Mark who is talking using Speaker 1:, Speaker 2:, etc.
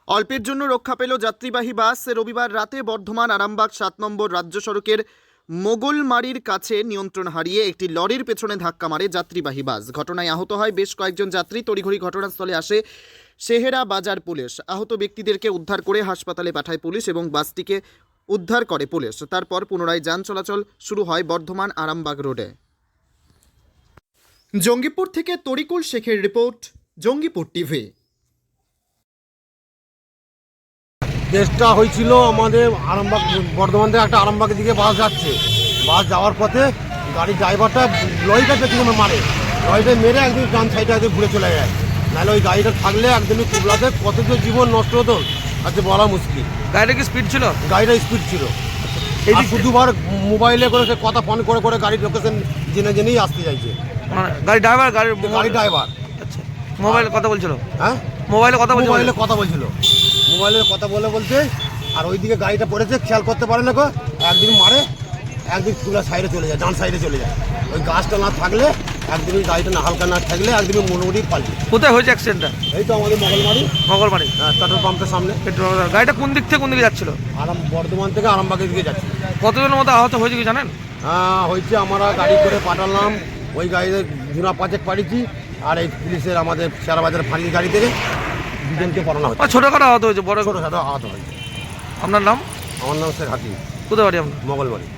Speaker 1: অল্পের জন্য রক্ষা পেল যাত্রীবাহী বাস। রবিবার রাতে বর্ধমান আরামবাগ 7 নম্বর রাজ্য সড়কের মোগলমারির কাছে নিয়ন্ত্রণ হারিয়ে একটি লরির পেছনে ধাক্কা মারে যাত্রীবাহী বাস। ঘটনায় আহত হয় বেশ কয়েকজন যাত্রী। তড়িঘড়ি ঘটনাস্থলে আসে শেহেরা বাজার পুলিশ। আহত ব্যক্তিদেরকে উদ্ধার করে হাসপাতালে পাঠায় পুলিশ এবং বাসটিকে উদ্ধার করে পুলিশ। তারপর পুনরায় যান চলাচল শুরু হয় বর্ধমান আরামবাগ রোডে। জঙ্গিপুর থেকে তরিকুল শেখের রিপোর্ট, জঙ্গিপুর টিভি।
Speaker 2: কেসটা হয়েছিল আমাদের আরামবাগ, বর্ধমান থেকে একটা আরামবাগের দিকে বাস যাচ্ছে। বাস যাওয়ার পথে গাড়ির ড্রাইভারটা লরিটা পেছনে মারে, লরিটা মেরে একদিন ডান সাইডে একদিন ঘুরে চলে যায়। নাহলে ওই গাড়িটা থাকলে একদমই কুবলাতে কত যে জীবন নষ্ট হতো আজকে বলা মুশকিল।
Speaker 3: গাড়িটা কি স্পিড ছিল?
Speaker 2: গাড়িটা স্পিড ছিল। এই শুধুবার মোবাইলে করে সে কথা ফোন করে করে গাড়ির লোকেশন জেনে জেনেই আসতে চাইছে।
Speaker 3: মানে গাড়ি ড্রাইভার
Speaker 2: গাড়ি ড্রাইভার
Speaker 3: আচ্ছা, মোবাইলে কথা বলছিল?
Speaker 2: হ্যাঁ,
Speaker 3: মোবাইলে কথা বলছিল?
Speaker 2: মোবাইলে কথা বলছিল। মোবাইলে কথা বলতে আর ওইদিকে গাড়িটা পড়েছে, খেয়াল করতে পারে না গো। একদিন মারে, একদিন তুলা সাইডে চলে যায়, ডান সাইডে চলে যায়। ওই গাছটা না থাকলে একদিনই গাড়িটা না হালকা না থাকলে একদিনই মোটামুটি পাল্টি।
Speaker 3: কোথায় হয়েছে অ্যাক্সিডেন্টটা?
Speaker 2: এই তো আমাদের
Speaker 3: মঙ্গলবাড়ি
Speaker 2: পেট্রোল পাম্পের সামনে।
Speaker 3: পেট্রোল। গাড়িটা কোন দিক থেকে কোন দিকে যাচ্ছিল?
Speaker 2: বর্ধমান থেকে আরামবাগের দিকে যাচ্ছে।
Speaker 3: কতজনের মতো আহত হয়েছে কি জানেন?
Speaker 2: হয়েছে, আমরা গাড়ি করে পাঠালাম, ওই গাড়িতে জুনা 5 পাঠিয়েছি। আর এই পুলিশের আমাদের শেয়ারবাজারের ফাঁড়ির গাড়ি থেকে দুজনকে পড়ানো হচ্ছে।
Speaker 3: ছোটখাটো আহত হয়েছে, বড়
Speaker 2: ছোটো আহত হয়েছে।
Speaker 3: আপনার নাম?
Speaker 2: আমার নাম শেখ হাকিম,
Speaker 3: কোথায় বাড়ি আপনার?
Speaker 2: মঙ্গলবাড়ি।